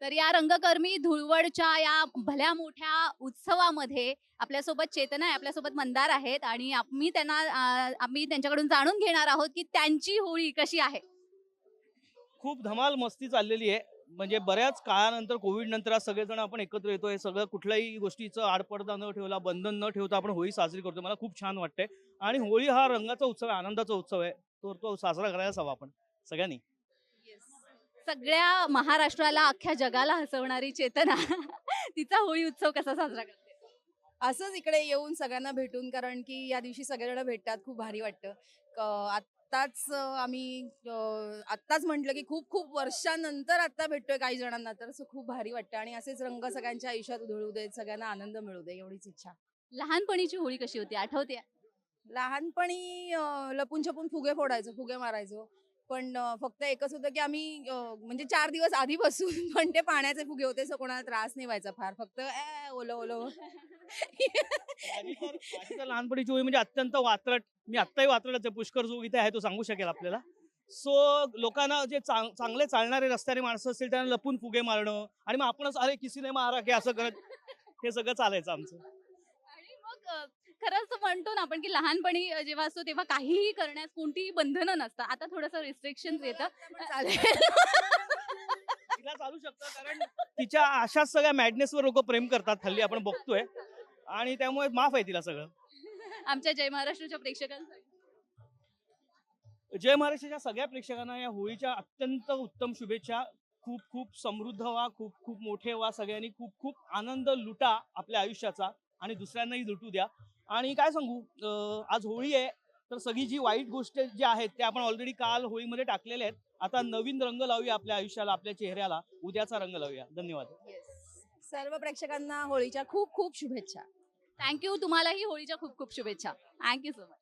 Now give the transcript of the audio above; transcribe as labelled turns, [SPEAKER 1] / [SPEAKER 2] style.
[SPEAKER 1] तर या रंगकर्मी धुळवडच्या या भल्या मोठ्या उत्सवामध्ये आपल्यासोबत चेतना आहे, आपल्यासोबत मंदार आहेत आणि आम्ही त्यांच्याकडून जाणून घेणार आहोत, की त्यांची होळी कशी आहे?
[SPEAKER 2] खूप धमाल मस्ती चाललेली आहे. म्हणजे बऱ्याच काळानंतर कोविड नंतर आज सगळेजण आपण एकत्र येतो. हे सगळं कुठल्याही गोष्टीचं आडपडदा न ठेवला, बंधन न ठेवता आपण होळी साजरी करतो. मला खूप छान वाटतंय आणि होळी हा रंगाचा उत्सव आहे, आनंदाचा उत्सव आहे. तो साजरा करायलाच हवा आपण सगळ्यांनी.
[SPEAKER 1] सगळ्या महाराष्ट्राला, अख्ख्या जगाला हसवणारी चेतना तिचा होळी उत्सव कसा साजरा करते?
[SPEAKER 3] असंच इकडे येऊन सगळ्यांना भेटून कारण की या दिवशी सगळेजण भेटतात खूप भारी वाटतं. आत्ताच म्हटलं की खूप खूप वर्षानंतर आता भेटतोय काही जणांना तर असं खूप भारी वाटतं आणि असेच रंग सगळ्यांच्या आयुष्यात उधळू देत, सगळ्यांना आनंद मिळू दे एवढीच इच्छा.
[SPEAKER 1] लहानपणीची होळी कशी होती आठवते?
[SPEAKER 3] लहानपणी लपून छपून फुगे फोडायचो, फुगे मारायचो. पण फक्त एकच होतं की आम्ही म्हणजे 4 दिवस आधीपासून पण ते पाण्याचे फुगे होते, सो कोणाला त्रास नाही व्हायचा फार. फक्त ओलं, ओलं.
[SPEAKER 2] माझी तर लहानपणीची होळी म्हणजे अत्यंत वात्रट. मी आत्ताही वात्रटच आहे. पुष्कर जो इथे आहे तो सांगू शकेल आपल्याला. सो लोकांना जे चांगले चालणारे रस्त्याने माणसं असतील त्यांना लपून फुगे मारणं आणि मग आपणच अरे किसी ने मारा की असं करत हे सगळं चालायचं आमचं.
[SPEAKER 1] आणि मग खरंच म्हणतो ना आपण की लहानपणी जेव्हा असतो तेव्हा काहीही करण्यास कोणतीही बंधनं नसतात. आता थोडंसं रिस्ट्रिक्शन्स येतं.
[SPEAKER 3] चालेल.
[SPEAKER 2] तिला चालू शकतं कारण तिच्या अशाच सगळ्या मॅडनेसवर लोक प्रेम करतात हल्ली आपण बघतोय आणि त्यामुळे माफ आहे तिला सगळं.
[SPEAKER 1] आमच्या जय महाराष्ट्राच्या प्रेक्षकांसाठी.
[SPEAKER 2] जय महाराष्ट्राच्या सगळ्या प्रेक्षकांना या होळीच्या अत्यंत उत्तम शुभेच्छा. खूप खूप समृद्ध व्हा, खूप खूप मोठे व्हा, सगळ्यांनी खूप खूप आनंद लुटा आपल्या आयुष्याचा आणि दुसऱ्यांनाही लुटू द्या. आणि काय सांगू, आज होळी आहे तर सगळी जी वाईट गोष्ट जी आहेत त्या आपण ऑलरेडी काल होळीमध्ये टाकलेल्या आहेत. आता नवीन रंग लावूया आपल्या आयुष्याला, आपल्या चेहऱ्याला. उद्याचा रंग लावूया. धन्यवाद.
[SPEAKER 3] सर्व प्रेक्षकांना होळीच्या खूप खूप शुभेच्छा.
[SPEAKER 1] Thank you. तुम्हालाही होळीच्या खूप खूप शुभेच्छा. Thank you so much.